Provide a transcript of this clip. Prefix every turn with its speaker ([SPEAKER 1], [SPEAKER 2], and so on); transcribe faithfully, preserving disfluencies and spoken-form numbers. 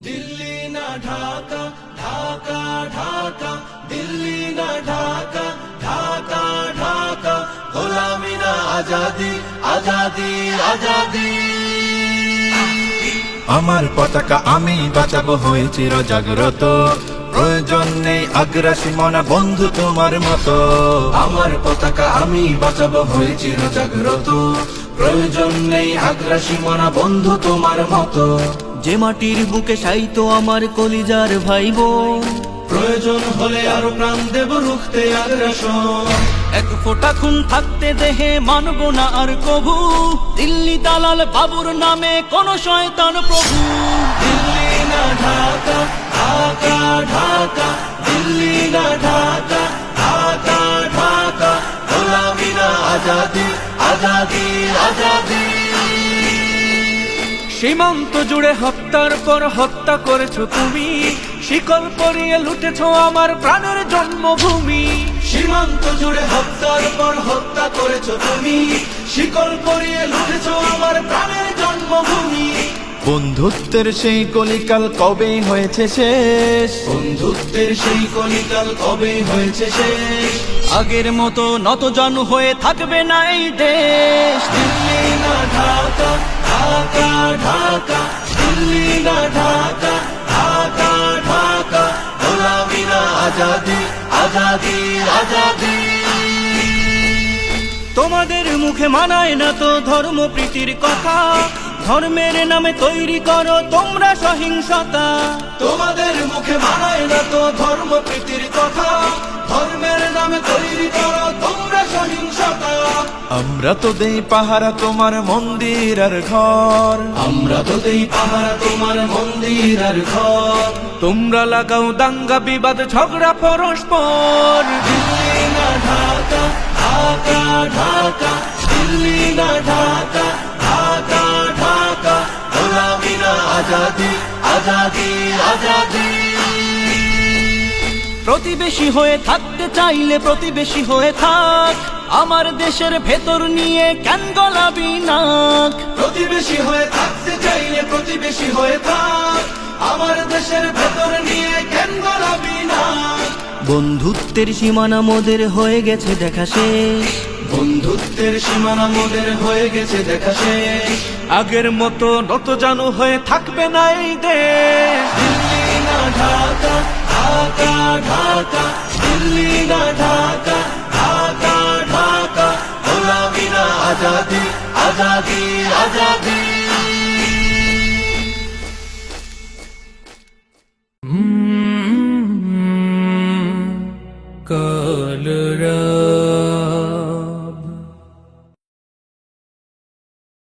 [SPEAKER 1] দিল্লি না ঢাকা, ঢাকা ঢাকা, দিল্লি না ঢাকা, ঢাকা ঢাকা, গোলামি না আজাদি, আজাদি আজাদি।
[SPEAKER 2] আমার পতাকা আমি বাঁচাবো হয়ে চির জাগ্রত, প্রয়োজন নেই আগ্রাসী মনা বন্ধু তোমার মতো।
[SPEAKER 1] আমার পতাকা আমি বাঁচাবো হয়ে চির জাগ্রত, প্রয়োজন নেই আগ্রাসী মনা বন্ধু তোমার মতো।
[SPEAKER 3] যে মাটির বুকে সাইতো আমার কলিজার ভাই বোন,
[SPEAKER 1] প্রয়োজন হলে আরো প্রাণ দেব রুখতে আগ্রাসন।
[SPEAKER 3] এক ফোঁটা খুন থাকতে দেহে মানব না আর কভু, দিল্লি দালাল বাবুর নামে কোন শয়তান প্রভু।
[SPEAKER 1] দিল্লি না ঢাকা, ঢাকা ঢাকা, দিল্লি না ঢাকা, ঢাকা ঢাকা, গোলামি না আজাদি, আজাদি আজাদি।
[SPEAKER 3] সীমান্ত জুড়ে হত্যার পর হত্যা করেছো তুমি, শিকল পরিয়ে লুটেছো আমার প্রাণের জন্মভূমি।
[SPEAKER 1] সীমান্ত জুড়ে হত্যার পর হত্যা করেছো তুমি, শিকল পরিয়ে লুটেছো আমার প্রাণের জন্মভূমি।
[SPEAKER 2] বন্ধুত্বের সেই কলিকাল কবে হয়েছে শেষ,
[SPEAKER 1] বন্ধুত্বের সেই কলিকাল কবে হয়েছে শেষ।
[SPEAKER 3] আগের মতো নত জানু হয়ে থাকবে না এই দেশ।
[SPEAKER 1] দিল্লি না ঢাকা, ঢাকা ঢাকা, দিল্লি না ঢাকা, ঢাকা ঢাকা, গোলামি না আজাদি, আজাদি আজাদি।
[SPEAKER 3] তোমাদের মুখে মানায় না তো ধর্ম প্রীতির কথা, ধর্মের নামে তৈরি করো তোমরা সহিংসতা।
[SPEAKER 1] তোমাদের মুখে মানায় না তো ধর্ম প্রীতির কথা, ধর্মের নামে তৈরি করো তোমরা সহিংসতা।
[SPEAKER 2] আমরা তো দেই পাহারা তোমার মন্দির আর ঘর,
[SPEAKER 1] আমরা তো দেই পাহারা তোমার মন্দির আর ঘর।
[SPEAKER 3] তোমরা লাগাও দাঙ্গা বিবাদ ঝগড়া পরস্পর।
[SPEAKER 1] দিল্লি না ঢাকা, ঢাকা ঢাকা, দিল্লি না ঢাকা, ঢাকা ঢাকা, গোলামি না আজাদি, আজাদি আজাদি।
[SPEAKER 3] প্রতিবেশী হয়ে থাকতে চাইলে প্রতিবেশী হয়ে থাক, আমার দেশের ভেতর নিয়ে কেন গলাবি নাক।
[SPEAKER 1] প্রতিবেশী হয়ে থাকতে চাইলে প্রতিবেশী হয়ে থাক, আমার দেশের ভেতর নিয়ে কেন গলাবি না।
[SPEAKER 3] বন্ধুত্বের সীমানা মোদের হয়ে গেছে দেখা শেষ,
[SPEAKER 1] বন্ধুত্বের সীমানা মোদের হয়ে গেছে দেখা শেষ।
[SPEAKER 3] আগের মতো নত জানু হয়ে থাকবে না এই দেশ।
[SPEAKER 1] দিল্লি না ঢাকা, ঢাকা ঢাকা, দিল্লি না ঢাকা, ঢাকা ঢাকা, গোলামি না আজাদি, আজাদি আজাদি।
[SPEAKER 3] কর